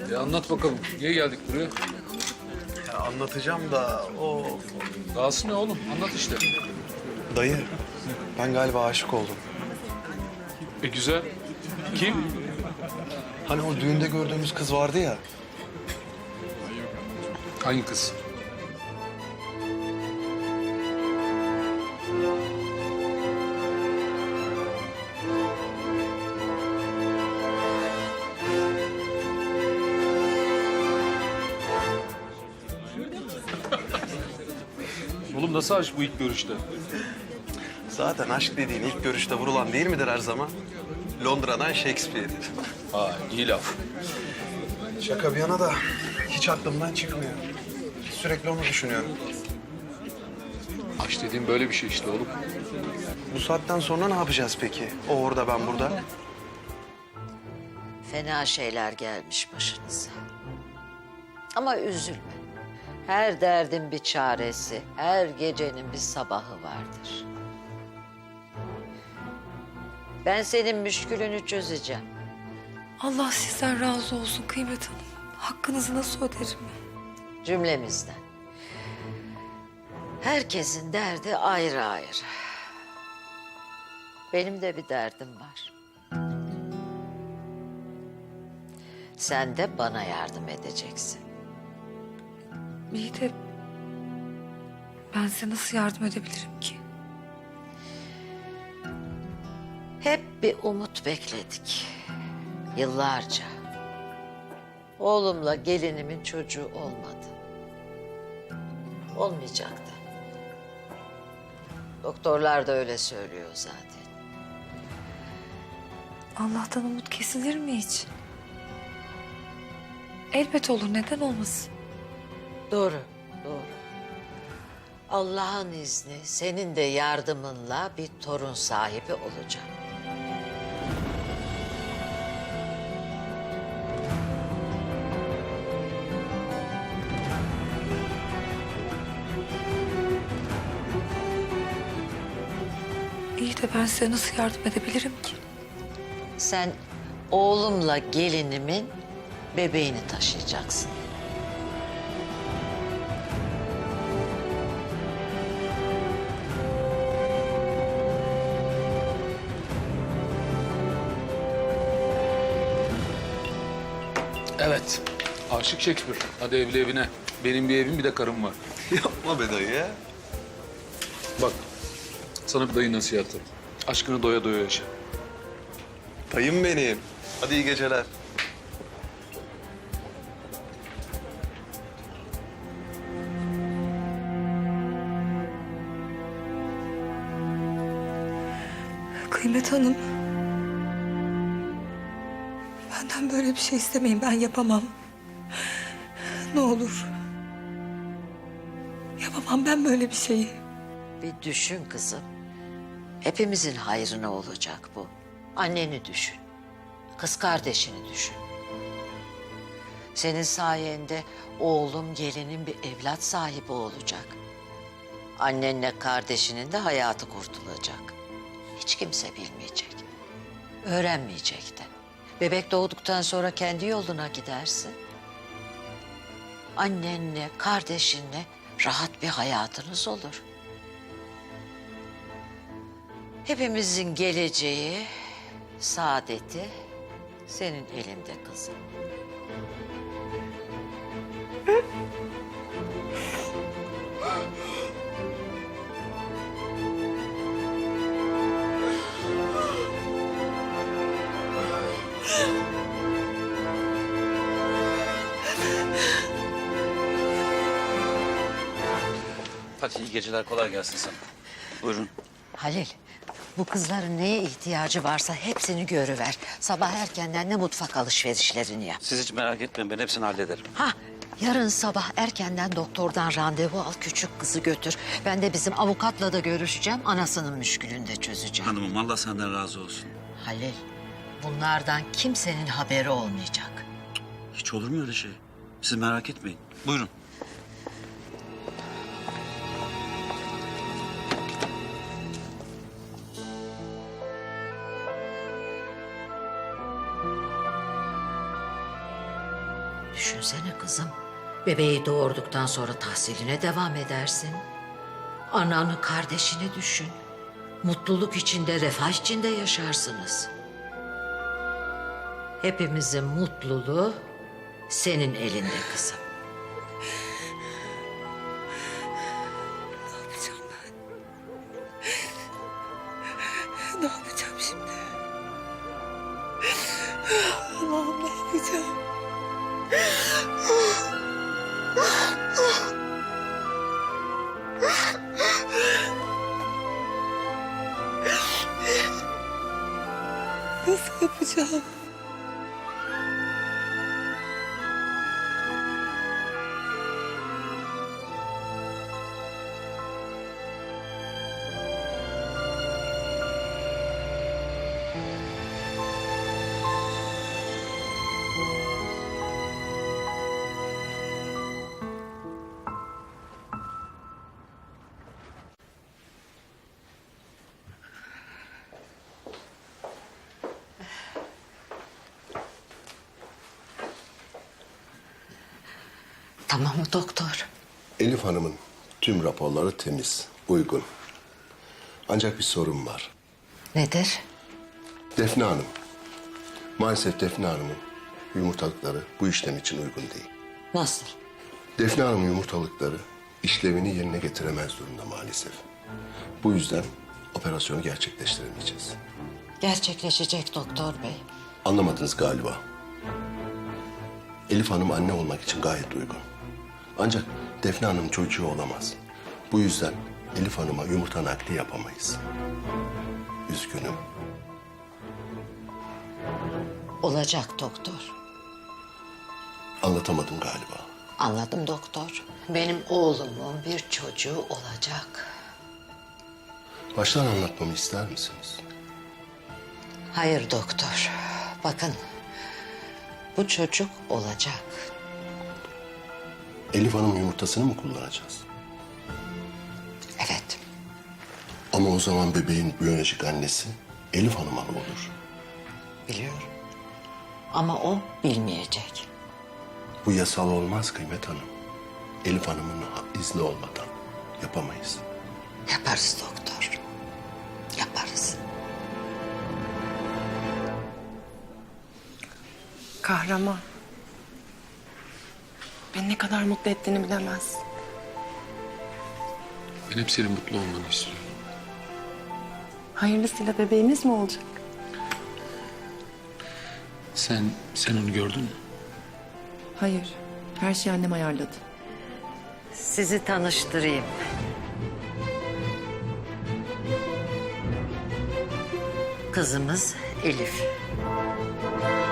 Anlat bakalım. Niye geldik buraya? Ya anlatacağım da o... Dahası ne oğlum? Anlat işte. Dayı, ben galiba aşık oldum. Güzel. Kim? Hani o düğünde gördüğümüz kız vardı ya. Hangi kız? Oğlum nasıl aşk bu ilk görüşte? Zaten aşk dediğin ilk görüşte vurulan değil midir her zaman? Londra'dan Shakespeare'dir. Ha, iyi laf. Şaka bir yana da hiç aklımdan çıkmıyor. Sürekli onu düşünüyorum. Aşk dediğin böyle bir şey işte oğlum. Bu saatten sonra ne yapacağız peki? O orada, ben burada. Fena şeyler gelmiş başınıza. Ama üzülme. Her derdin bir çaresi, her gecenin bir sabahı vardır. Ben senin müşkülünü çözeceğim. Allah sizden razı olsun Kıymet Hanım. Hakkınızı nasıl öderim? Cümlemizden. Herkesin derdi ayrı ayrı. Benim de bir derdim var. Sen de bana yardım edeceksin. İyi de ben size nasıl yardım edebilirim ki? Hep bir umut bekledik. Yıllarca. Oğlumla gelinimin çocuğu olmadı. Olmayacaktı. Doktorlar da öyle söylüyor zaten. Allah'tan umut kesilir mi hiç? Elbet olur, neden olmasın? Doğru, doğru. Allah'ın izni senin de yardımınla bir torun sahibi olacağım. İyi de ben size nasıl yardım edebilirim ki? Sen oğlumla gelinimin bebeğini taşıyacaksın. Evet. Aşık Shakespeare. Hadi evli evine. Benim bir evim bir de karım var. Yapma be dayı ya. Bak. Sana bir dayı nasihatı. Aşkını doya doya yaşa. Dayım benim. Hadi iyi geceler. Kıymet Hanım. Benden böyle bir şey istemeyin, ben yapamam. Ne olur. Yapamam ben böyle bir şeyi. Bir düşün kızım. Hepimizin hayrına olacak bu. Anneni düşün. Kız kardeşini düşün. Senin sayende oğlum, gelinin bir evlat sahibi olacak. Annenle kardeşinin de hayatı kurtulacak. Hiç kimse bilmeyecek. Öğrenmeyecek de. Bebek doğduktan sonra kendi yoluna gidersin. Annenle, kardeşinle rahat bir hayatınız olur. Hepimizin geleceği, saadeti senin elinde kızım. Hadi iyi geceler, kolay gelsin sana. Buyurun. Halil, bu kızların neye ihtiyacı varsa hepsini görüver. Sabah erkenden de mutfak alışverişlerini yap. Siz hiç merak etmeyin, ben hepsini hallederim. Ha, yarın sabah erkenden doktordan randevu al, küçük kızı götür. Ben de bizim avukatla da görüşeceğim, anasının müşkülünü de çözeceğim. Hanımım, Allah senden razı olsun. Halil, bunlardan kimsenin haberi olmayacak. Hiç olur mu öyle şey? Siz merak etmeyin. Buyurun. Düşünsene kızım. Bebeği doğurduktan sonra tahsiline devam edersin. Ananı, kardeşini düşün. Mutluluk içinde, refah içinde yaşarsınız. Hepimizin mutluluğu senin elinde kızım. Ne yapacağım ben? Ne yapacağım şimdi? Allah'ım ne yapacağım? Nasıl yapacağım? Tamam mı doktor? Elif Hanım'ın tüm raporları temiz, uygun. Ancak bir sorun var. Nedir? Defne Hanım. Maalesef Defne Hanım'ın yumurtalıkları bu işlem için uygun değil. Nasıl? Defne Hanım'ın yumurtalıkları işlevini yerine getiremez durumda maalesef. Bu yüzden operasyonu gerçekleştiremeyeceğiz. Gerçekleşecek doktor bey. Anlamadınız galiba. Elif Hanım anne olmak için gayet uygun. Ancak Defne Hanım çocuğu olamaz. Bu yüzden Elif Hanım'a yumurta nakli yapamayız. Üzgünüm. Olacak doktor. Anlatamadım galiba. Anladım doktor. Benim oğlumun bir çocuğu olacak. Baştan anlatmamı ister misiniz? Hayır doktor. Bakın. Bu çocuk olacak. Elif Hanım yumurtasını mı kullanacağız? Evet. Ama o zaman bebeğin biyolojik annesi Elif Hanım'a ne olur? Biliyorum. Ama o bilmeyecek. Bu yasal olmaz Kıymet Hanım. Elif Hanım'ın izni olmadan yapamayız. Yaparız doktor. Yaparız. Kahraman. Beni ne kadar mutlu ettiğini bilemez. Ben hep senin mutlu olmanı istiyorum. Hayırlısıyla bebeğimiz mi olacak? Sen onu gördün mü? Hayır. Her şeyi annem ayarladı. Sizi tanıştırayım. Kızımız Elif.